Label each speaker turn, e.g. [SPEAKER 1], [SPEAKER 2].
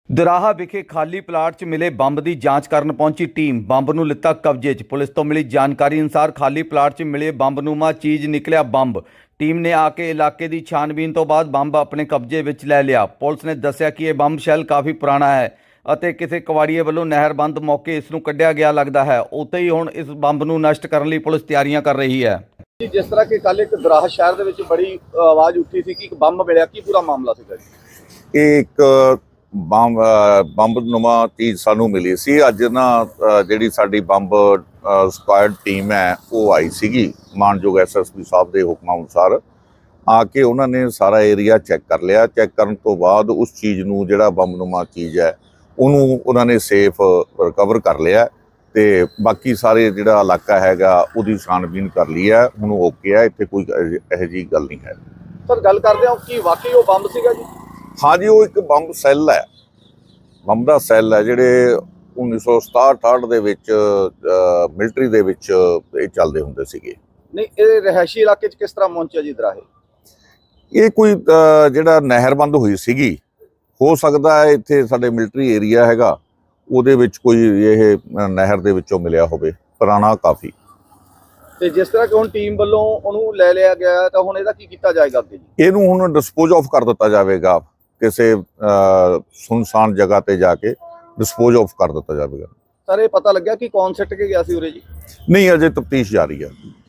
[SPEAKER 1] ਦਰਾਹਾ ਵਿਖੇ ਖਾਲੀ ਪਲਾਟ 'ਚ ਮਿਲੇ ਬੰਬ ਦੀ ਜਾਂਚ ਕਰਨ ਪਹੁੰਚੀ ਟੀਮ। ਬੰਬ ਨੂੰ ਲਿੱਤਾ ਕਬਜ਼ੇ 'ਚ। ਪੁਲਿਸ ਤੋਂ ਮਿਲੀ ਜਾਣਕਾਰੀ ਅਨੁਸਾਰ ਖਾਲੀ ਪਲਾਟ 'ਚ ਮਿਲੇ ਬੰਬਨੁਮਾ ਚੀਜ਼ ਨਿਕਲਿਆ ਬੰਬ। ਟੀਮ ਨੇ ਆ ਕੇ ਇਲਾਕੇ ਦੀ ਛਾਣਬੀਨ ਤੋਂ ਬਾਅਦ ਬੰਬ ਆਪਣੇ ਕਬਜ਼ੇ ਵਿੱਚ ਲੈ ਲਿਆ। ਪੁਲਿਸ ਨੇ ਦੱਸਿਆ ਕਿ ਇਹ ਬੰਬ ਸ਼ੈੱਲ ਕਾਫੀ ਪੁਰਾਣਾ ਹੈ ਅਤੇ ਕਿਸੇ ਕਵਾੜੀਏ ਵੱਲੋਂ ਨਹਿਰਬੰਦ ਮੌਕੇ ਇਸ ਨੂੰ ਕੱਢਿਆ ਗਿਆ ਲੱਗਦਾ ਹੈ। ਉੱਥੇ ਹੀ ਹੁਣ ਇਸ ਬੰਬ ਨੂੰ ਨਸ਼ਟ ਕਰਨ ਲਈ ਪੁਲਿਸ ਤਿਆਰੀਆਂ ਕਰ ਰਹੀ ਹੈ।
[SPEAKER 2] ਜਿਸ ਤਰ੍ਹਾਂ ਕਿ ਕੱਲ ਇੱਕ ਦਰਾਹਾ ਸ਼ਹਿਰ ਦੇ ਵਿੱਚ ਬੜੀ ਆਵਾਜ਼ ਉੱਠੀ ਸੀ ਕਿ ਇੱਕ ਬੰਬ ਮਿਲਿਆ, ਕੀ ਪੂਰਾ ਮਾਮਲਾ ਸੀਗਾ ਜੀ?
[SPEAKER 3] ਇਹ ਇੱਕ ਬੰਬਨੁਮਾ ਚੀਜ਼ ਸਾਨੂੰ ਮਿਲੀ ਸੀ। ਅੱਜ ਨਾ ਜਿਹੜੀ ਸਾਡੀ ਬੰਬ ਸਕੁਆਡ ਟੀਮ ਹੈ ਉਹ ਆਈ ਸੀਗੀ ਮਾਨਯੋਗ ਐਸਐਸਪੀ ਸਾਹਿਬ ਦੇ ਹੁਕਮਾਂ ਅਨੁਸਾਰ। ਆ ਕੇ ਉਹਨਾਂ ਨੇ ਸਾਰਾ ਏਰੀਆ ਚੈੱਕ ਕਰ ਲਿਆ। ਚੈੱਕ ਕਰਨ ਤੋਂ ਬਾਅਦ ਉਸ ਚੀਜ਼ ਨੂੰ ਜਿਹੜਾ ਬੰਬਨੁਮਾ ਚੀਜ਼ ਹੈ ਉਹਨੂੰ ਉਹਨਾਂ ਨੇ ਸੇਫ ਰਿਕਵਰ ਕਰ ਲਿਆ ਤੇ ਬਾਕੀ ਸਾਰੇ ਜਿਹੜਾ ਇਲਾਕਾ ਹੈਗਾ ਉਹਦੀ ਛਾਣਬੀਨ ਕਰ ਲਈ ਹੈ। ਹੁਣ ਓਕੇ ਹੈ, ਇੱਥੇ ਕੋਈ ਇਹੋ ਜਿਹੀ ਗੱਲ ਨਹੀਂ ਹੈ।
[SPEAKER 2] ਸਰ, ਗੱਲ ਕਰਦੇ ਹਾਂ ਕਿ ਵਾਕਈ ਉਹ ਬੰਬ ਸੀਗਾ ਜੀ?
[SPEAKER 3] हाँ जी, वो एक ਬੰਬ ਸੈੱਲ ਹੈ। ਬੰਬ ਦਾ ਸੈੱਲ ਹੈ ਜਿਹੜੇ 1967-68 ਦੇ ਵਿੱਚ ਮਿਲਟਰੀ ਦੇ ਵਿੱਚ ਇਹ ਚੱਲਦੇ ਹੁੰਦੇ ਸੀਗੇ।
[SPEAKER 2] ਨਹੀਂ, ਇਹ ਰਿਹਾਇਸ਼ੀ ਇਲਾਕੇ 'ਚ ਕਿਸ ਤਰ੍ਹਾਂ ਪਹੁੰਚਿਆ ਜੀ ਦਰਾਹੇ?
[SPEAKER 3] ਇਹ ਕੋਈ ਜਿਹੜਾ ਨਹਿਰਬੰਦ ਹੋਈ ਸੀਗੀ, ਹੋ ਸਕਦਾ ਹੈ ਇੱਥੇ ਸਾਡੇ ਮਿਲਟਰੀ ਏਰੀਆ ਹੈਗਾ ਉਹਦੇ ਵਿੱਚ ਕੋਈ ਇਹ ਨਹਿਰ ਦੇ ਵਿੱਚੋਂ ਮਿਲਿਆ ਹੋਵੇ, ਪੁਰਾਣਾ ਕਾਫੀ।
[SPEAKER 2] ਤੇ ਜਿਸ ਤਰ੍ਹਾਂ ਕਿ ਹੁਣ ਟੀਮ ਵੱਲੋਂ ਉਹਨੂੰ ਲੈ ਲਿਆ ਗਿਆ ਤਾਂ ਹੁਣ ਇਹਦਾ ਕੀ ਕੀਤਾ ਜਾਏਗਾ ਅੱਗੇ ਜੀ?
[SPEAKER 3] ਇਹਨੂੰ ਹੁਣ ਡਿਸਪੋਜ਼ ਆਫ ਕਰ ਦਿੱਤਾ ਜਾਵੇਗਾ, ਕਿਸੇ ਸੁਨਸਾਨ ਜਗ੍ਹਾ ਤੇ ਜਾ ਕੇ ਡਿਸਪੋਜ਼ ਆਫ ਕਰ ਦਿੱਤਾ ਜਾਵੇਗਾ।
[SPEAKER 2] ਸਰ, ਇਹ ਪਤਾ ਲੱਗਿਆ ਕਿ ਕੌਣ ਸਿੱਟ ਕੇ ਗਿਆ ਸੀ ਉਰੇ ਜੀ?
[SPEAKER 3] ਨਹੀਂ, ਅਜੇ ਤਫਤੀਸ਼ ਜਾਰੀ ਹੈ।